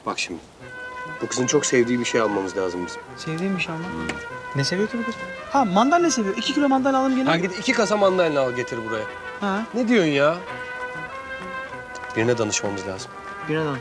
Bak şimdi. Bu kızın çok sevdiği bir şey almamız lazım bizim. Sevdiğim bir şey ama. Ne seviyor ki bu kız? Ha mandalina seviyor. 2 kilo mandalina alalım gene. Ha git 2 kasa mandalina al getir buraya. Ha. Ne diyorsun ya? Birine danışmamız lazım. Birine danış.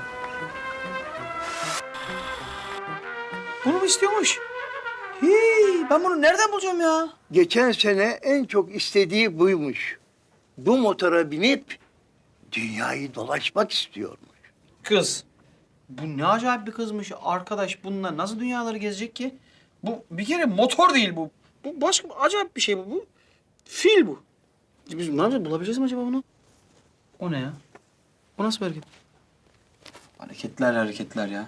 Bunu mu istiyormuş? Hii, ben bunu nereden bulacağım ya? Geçen sene en çok istediği buymuş. Bu motora binip dünyayı dolaşmak istiyormuş. Kız. Bu ne acayip bir kızmış arkadaş. Bununla nasıl dünyaları gezecek ki? Bu bir kere motor değil bu. Bu başka acayip bir şey bu. Bu fil bu. Biz ne yapacağız? Bulabileceğiz mi acaba bunu? O ne ya? Bu nasıl bir hareket? Hareketler ya.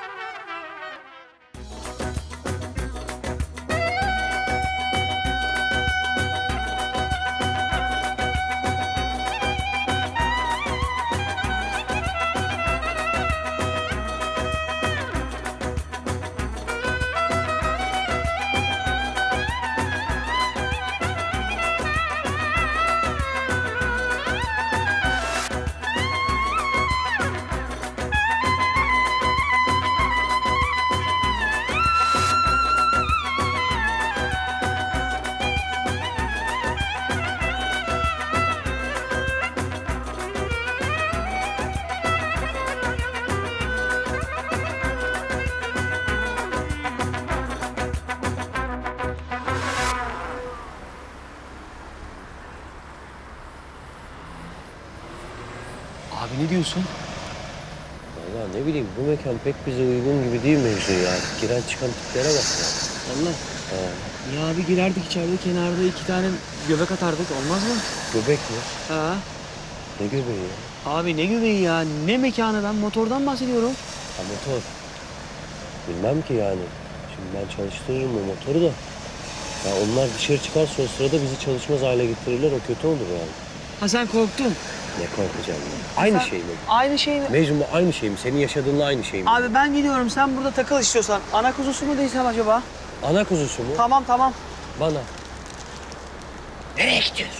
Abi ne diyorsun? Vallahi ne bileyim bu mekan pek bize uygun gibi değil Mecnun ya. Giren çıkan tiplere bak ya. Vallahi. Ya abi girerdik içeride kenarda 2 tane göbek atardık olmaz mı? Göbek mi? Ha. Ne göbeği ya? Abi ne göbeği ya? Ne mekanı ben motordan bahsediyorum. Ha motor. Bilmem ki yani. Şimdi ben çalıştırırım o motoru da. Ya onlar dışarı çıkarsa o sırada bizi çalışmaz hale getirirler. O kötü olur yani. Ha sen korktun. Ne korkacağım ya? Aynı şey mi? Aynı şey mi? Mecnun bu aynı şey mi? Senin yaşadığınla aynı şey mi? Abi ben gidiyorum sen burada takıl istiyorsan. Ana kuzusu mu değilsem acaba? Ana kuzusu mu? Tamam. Bana. Nereye gidiyorsun?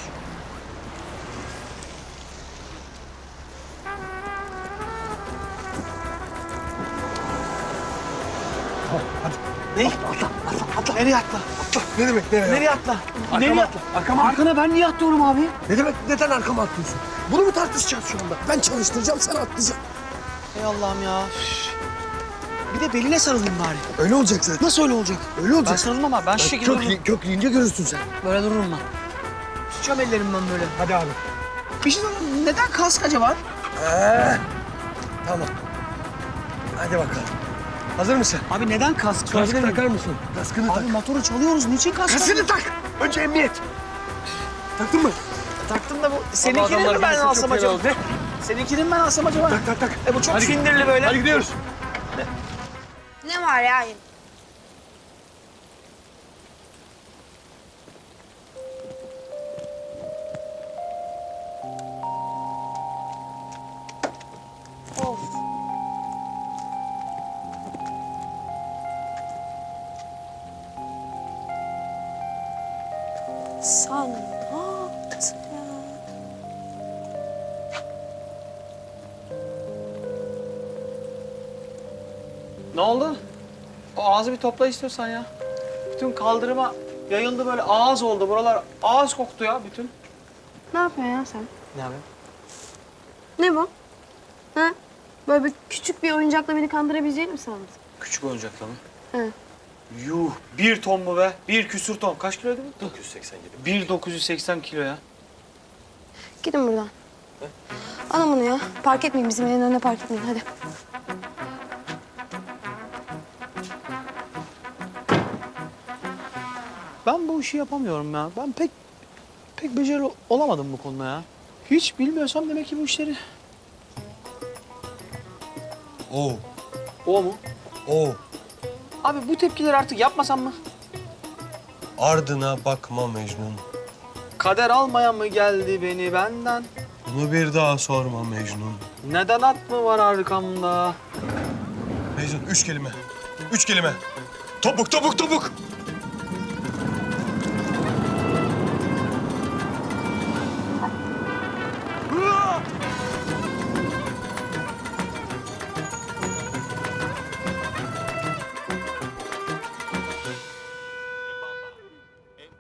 Ne? Atla. Nereye atla? Ne demek nereye? Nereye atla? Arkama Nereye atla. Arkama atla. Arkana ben niye atlıyorum abi? Ne demek neden arkama atlıyorsun? Bunu mu tartışacağız şu anda? Ben çalıştıracağım sen atlayacaksın. Ey Allah'ım ya. Bir de beline sarılayım bari. Öyle olacak zaten. Nasıl öyle olacak? Öyle olacak. Ben sarılmam abi. Ben şu şekilde dururum. Kökleyince görürsün sen. Böyle dururum ben. Tutacağım ellerimden böyle. Hadi abi. Bir şey söyleyeyim. Neden kask acaba? Tamam. Hadi bakalım. Hazır mısın? Abi neden kask? Kaskı Sorabilir miyim? takar mısın? Kaskını Abi motoru çalıyoruz. Niçin kask? Kaskını tak. Önce emniyet. Taktın mı? Taktım da bu. Seninkini mi ben alsam acaba? Ne? Seninkini mi ben alsam acaba? Tak. Bu çok sindirli böyle. Hadi gidiyoruz. Ne var ya? Of. Sen ne yaptın ya? Ne oldu? O ağzı bir topla istiyorsan ya. Bütün kaldırıma yayıldı böyle ağız oldu. Buralar ağız koktu ya bütün. Ne yapıyorsun ya sen? Ne yapayım? Ne bu? Ha? Böyle bir küçük bir oyuncakla beni kandırabileceğini mi sandın? Küçük oyuncakla mı? He. Yuh 1 ton mu be? 1 küsür ton. Kaç kiloydu bu? 987. 1.980 kilo ya. Gidin buradan. Alın bunu ya. Park etmeyin bizim evin önüne park etmeyin. Hadi. Ben bu işi yapamıyorum ya. Ben pek becerili olamadım bu konuda ya. Hiç bilmiyorsam demek ki bu işleri. Oo. O mu? Oo. Abi bu tepkileri artık yapmasam mı? Ardına bakma Mecnun. Kader almayan mı geldi beni benden? Bunu bir daha sorma Mecnun. Neden at mı var arkamda? Mecnun 3 kelime. 3 kelime. Topuk.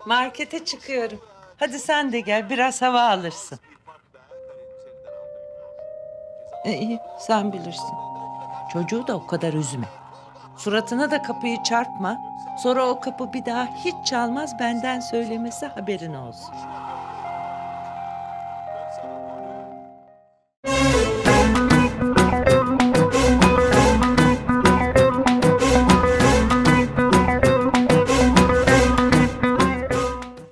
Markete çıkıyorum. Hadi sen de gel, biraz hava alırsın. İyi, sen bilirsin. Çocuğu da o kadar üzme. Suratına da kapıyı çarpma. Sonra o kapı bir daha hiç çalmaz, benden söylemesi haberin olsun.